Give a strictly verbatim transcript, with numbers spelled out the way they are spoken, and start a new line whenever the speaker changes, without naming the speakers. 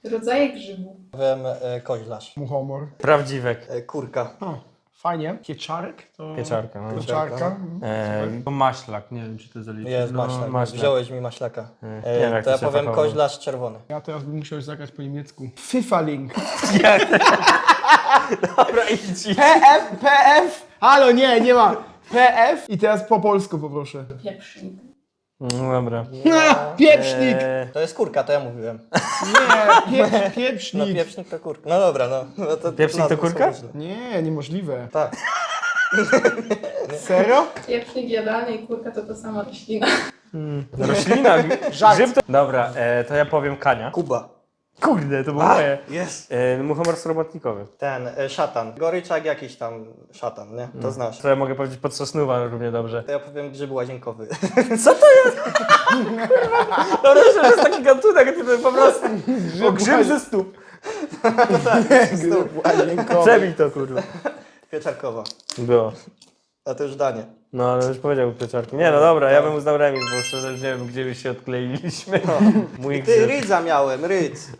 Rodzaje grzybów.
Powiem e, koźlarz.
Muchomor.
Prawdziwek.
E, kurka.
O, fajnie. Pieczarek to...
Pieczarka, no.
Pieczarka.
E, to maślak, nie wiem czy to zaliczy.
Jest
no,
maślak.
maślak.
Wziąłeś mi maślaka.
Nie
E,
wiem, jak
to
to
ja
się
powiem
fachowo.
koźlarz czerwony.
Ja teraz bym musiał zagrać po niemiecku. Pfifferling.
Dobra, idź.
P F, P F. Halo, nie, nie ma. P F i teraz po polsku poproszę.
Pieprznik.
No dobra.
Ha, pieprznik.
E,
To jest kurka, to ja mówiłem.
Nie, pie,
No
pieprznik.
pieprznik to kurka. No dobra, no. no to,
Pieprznik to
nazwy są
kurka?
różne.
Nie, niemożliwe.
Tak.
Serio?
Pieprznik jadalny i kurka to ta sama roślina.
roślina,
Żart.
grzyb to... Dobra, e, to ja powiem Kania.
Kuba.
Kurde, to było moje.
Jest.
E, muchomor robotnikowy.
Ten, e, szatan. Goryczak jakiś tam szatan, nie? To znasz.
To ja mogę powiedzieć podsosnuwa równie dobrze.
To ja powiem grzyb łazienkowy.
Co to jest? No myślę, że jest taki gatunek, ty po prostu... O, grzyb ze stóp.
Grzyb łazienkowy.
Przebij to, kurwa.
Pieczarkowa.
Było.
A to już danie.
No, ale już powiedział pieczarki. Nie, no dobra, ja bym uznał remis, bo szczerze już nie wiem, gdzie by się odkleiliśmy. Mój
Ty,
grzyb.
rydza miałem, rydz.